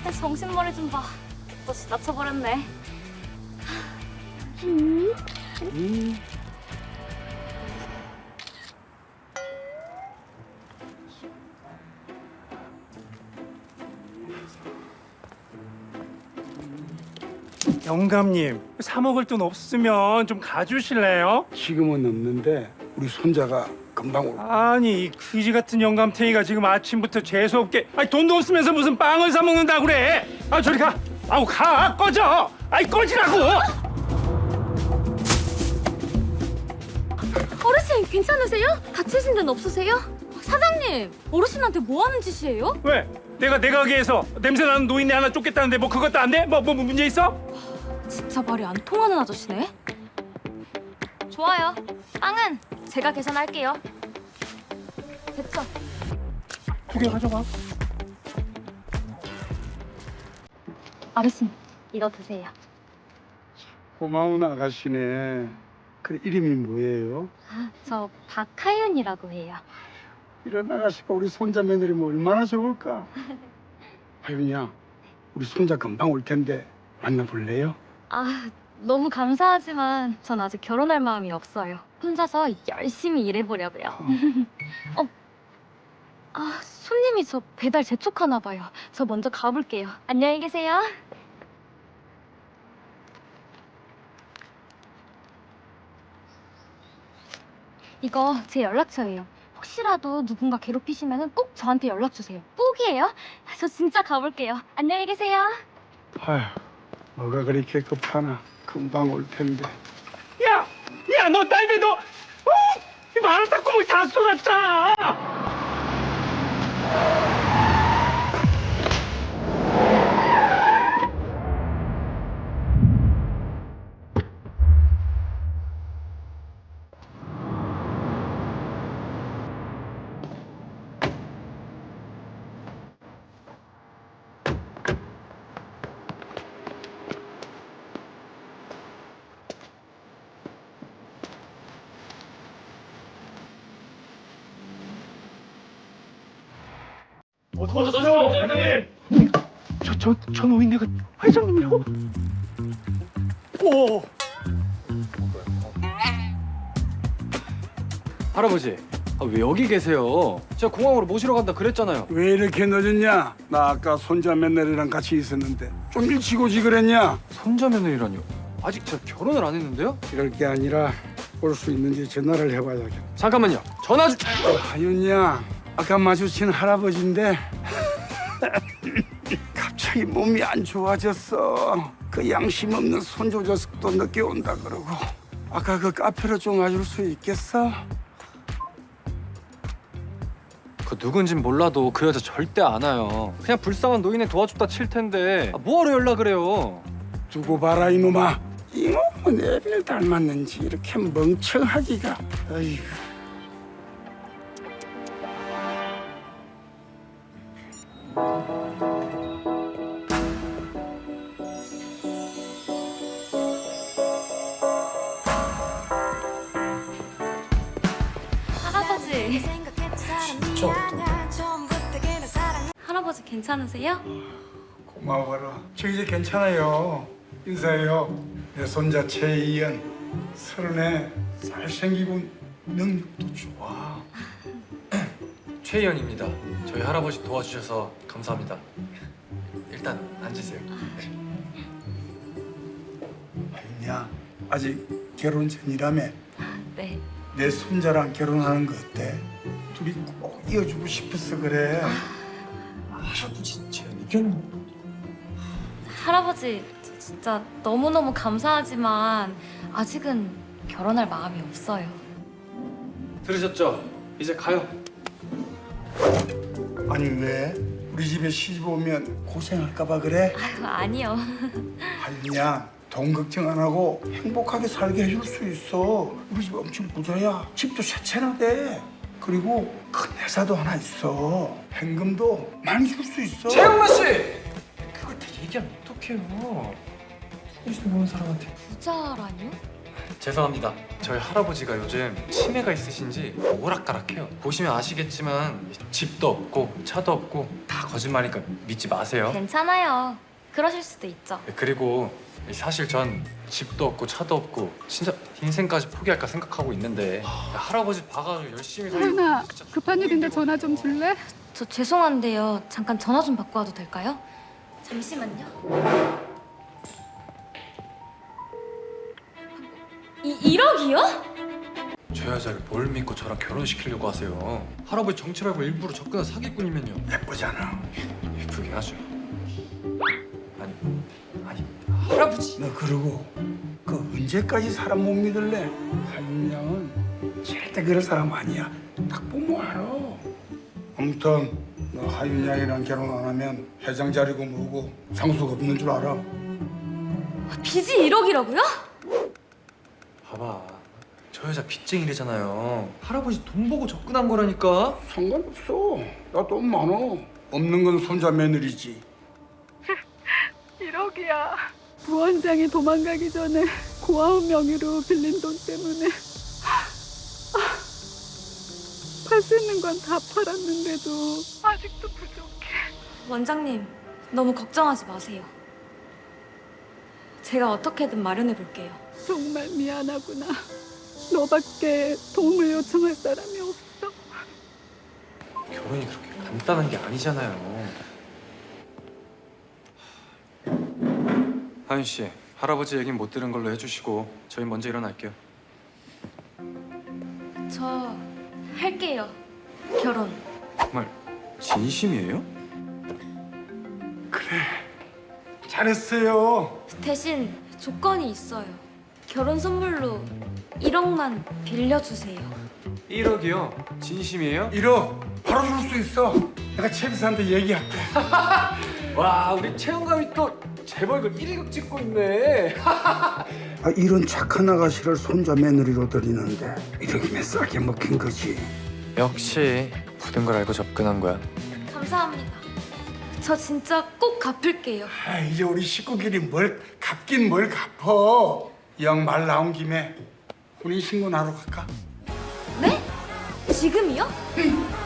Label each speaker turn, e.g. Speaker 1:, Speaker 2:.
Speaker 1: 정신머리 좀 봐. 또 지나쳐버렸네.
Speaker 2: 영감님, 사 먹을 돈 없으면 좀 가주실래요?
Speaker 3: 지금은 없는데 우리 손자가 금방 올.
Speaker 2: 아니, 이 그지 같은 영감탱이가 지금 아침부터 재수없게 돈도 없으면서 무슨 빵을 사 먹는다 그래? 아, 저리 가. 아우, 가. 꺼져. 아이, 꺼지라고.
Speaker 1: 어르신 괜찮으세요? 다치신 데는 없으세요? 사장님, 어르신한테 뭐 하는 짓이에요?
Speaker 2: 왜? 내가 내 가게에서 냄새 나는 노인네 하나 쫓겠다는데 뭐 그것도 안 돼? 뭐 문제 있어?
Speaker 1: 진짜 말이 안 통하는 아저씨네. 좋아요. 빵은 제가 계산할게요. 됐죠?
Speaker 2: 2개 가져가.
Speaker 1: 어르신, 이거 드세요.
Speaker 3: 고마운 아가씨네. 그래 이름이 뭐예요?
Speaker 1: 저 박하윤이라고 해요.
Speaker 3: 이런 아가씨가 우리 손자 며느리면 얼마나 좋을까? 하윤이야, 우리 손자 금방 올 텐데 만나볼래요?
Speaker 1: 아, 너무 감사하지만 전 아직 결혼할 마음이 없어요. 혼자서 열심히 일해보려고요. 손님이 저 배달 재촉하나 봐요. 저 먼저 가볼게요. 안녕히 계세요. 이거 제 연락처예요. 혹시라도 누군가 괴롭히시면 꼭 저한테 연락 주세요. 꼭이에요. 저 진짜 가볼게요. 안녕히 계세요.
Speaker 3: 아휴, 뭐가 그렇게 급하나? 금방 올 텐데.
Speaker 2: 야, 너 딸배 너, 이 마라탕 구멍 다 쏟았잖아. 어서오세요, 회장님. 저 노인네가 회장님이라고? 오.
Speaker 4: 할아버지, 왜 여기 계세요? 제가 공항으로 모시러 간다 그랬잖아요.
Speaker 3: 왜 이렇게 늦었냐? 나 아까 손자 며느리랑 같이 있었는데 좀 일찍 오지 그랬냐?
Speaker 4: 손자 며느리라뇨? 아직 제가 결혼을 안 했는데요?
Speaker 3: 이럴 게 아니라 올 수 있는지 전화를 해봐야겠다.
Speaker 4: 잠깐만요. 전화 좀...
Speaker 3: 하윤이야, 아까 마주친 할아버지인데 갑자기 몸이 안 좋아졌어. 그 양심 없는 손주 녀석도 늦게 온다 그러고. 아까 그 카페로 좀 와줄 수 있겠어?
Speaker 4: 그 누군진 몰라도 그 여자 절대 안 와요. 그냥 불쌍한 노인에 도와줬다 칠 텐데 뭐하러 연락을 해요?
Speaker 3: 두고 봐라 이놈아. 이놈은 애비를 닮았는지 이렇게 멍청하기가. 어이구.
Speaker 1: 할아버지.
Speaker 4: 진짜
Speaker 1: 할아버지 괜찮으세요?
Speaker 3: 고마워라. 저 이제 괜찮아요. 인사해요. 내 손자 최이연. 30에 잘생기고 능력도 좋아.
Speaker 4: 최희연입니다. 저희 할아버지 도와주셔서 감사합니다. 일단 앉으세요.
Speaker 3: 하윤이야, 아직 결혼 전이라며.
Speaker 1: 네.
Speaker 3: 내 손자랑 결혼하는 거 어때? 둘이 꼭 이어주고 싶어서 그래.
Speaker 4: 할아버지 제 의견은...
Speaker 1: 할아버지 진짜 너무너무 감사하지만 아직은 결혼할 마음이 없어요.
Speaker 4: 들으셨죠? 이제 가요.
Speaker 3: 아니 왜? 우리 집에 시집 오면 고생할까 봐 그래?
Speaker 1: 아유, 아니요.
Speaker 3: 하윤이야, 돈 걱정 안 하고 행복하게 살게 해줄 수 있어. 우리 집 엄청 부자야. 집도 새 채나 돼. 그리고 큰 회사도 하나 있어. 현금도 많이 줄 수 있어.
Speaker 4: 최영만 씨! 그걸 다 얘기하면 어떡해요? 누군지도 모르는 사람한테.
Speaker 1: 부자라뇨?
Speaker 4: 죄송합니다. 저희 할아버지가 요즘 치매가 있으신지 오락가락해요. 보시면 아시겠지만 집도 없고 차도 없고 다 거짓말이니까 믿지 마세요.
Speaker 1: 괜찮아요. 그러실 수도 있죠.
Speaker 4: 그리고 사실 전 집도 없고 차도 없고 진짜 인생까지 포기할까 생각하고 있는데 할아버지 봐가지고 열심히
Speaker 5: 하연아,
Speaker 4: 진짜
Speaker 5: 급한 일인데 전화 좀 줄래?
Speaker 1: 저 죄송한데요. 잠깐 전화 좀 받고 와도 될까요? 잠시만요. 1억이요?
Speaker 4: 저 여자를 뭘 믿고 저랑 결혼시키려고 하세요? 할아버지 정치를 알고 일부러 접근한 사기꾼이면요.
Speaker 3: 예쁘잖아.
Speaker 4: 예쁘긴 하죠. 아니 할아버지.
Speaker 3: 너 그러고 그 언제까지 사람 못 믿을래? 하윤 양은 절대 그럴 사람 아니야. 딱 보면 알아. 아무튼 너 하윤 양이랑 결혼 안 하면 회장 자리고 뭐고 상수가 없는 줄 알아.
Speaker 1: 빚이 1억이라고요?
Speaker 4: 봐봐. 저 여자 빚쟁이래잖아요. 할아버지 돈 보고 접근한 거라니까.
Speaker 3: 상관없어. 나 돈 많어. 없는 건 손자 며느리지.
Speaker 5: 1억이야. 부원장이 도망가기 전에 고아원 명의로 빌린 돈 때문에 팔 수 있는 건 다 팔았는데도 아직도 부족해.
Speaker 1: 원장님, 너무 걱정하지 마세요. 제가 어떻게든 마련해 볼게요.
Speaker 5: 정말 미안하구나. 너밖에 도움을 요청할 사람이 없어.
Speaker 4: 결혼이 그렇게 간단한 게 아니잖아요. 하윤 씨, 할아버지 얘긴 못 들은 걸로 해주시고 저희 먼저 일어날게요.
Speaker 1: 저 할게요. 결혼.
Speaker 4: 정말 진심이에요?
Speaker 3: 잘했어요.
Speaker 1: 대신 조건이 있어요. 결혼 선물로 1억만 빌려주세요.
Speaker 4: 1억이요? 진심이에요?
Speaker 3: 1억 바로 줄 수 있어. 내가 최비서한테 얘기할게.
Speaker 4: 와, 우리 채용감이 또 재벌급 1위급 찍고 있네.
Speaker 3: 이런 착한 아가씨를 손자 며느리로 들이는데 이렇게 싸게 먹힌 거지.
Speaker 4: 역시 모든 걸 알고 접근한 거야.
Speaker 1: 감사합니다. 저 진짜 꼭 갚을게요.
Speaker 3: 이제 우리 식구끼리 뭘 갚긴 뭘 갚어. 이 형 말 나온 김에 혼인신고 나러 갈까?
Speaker 1: 네? 지금이요?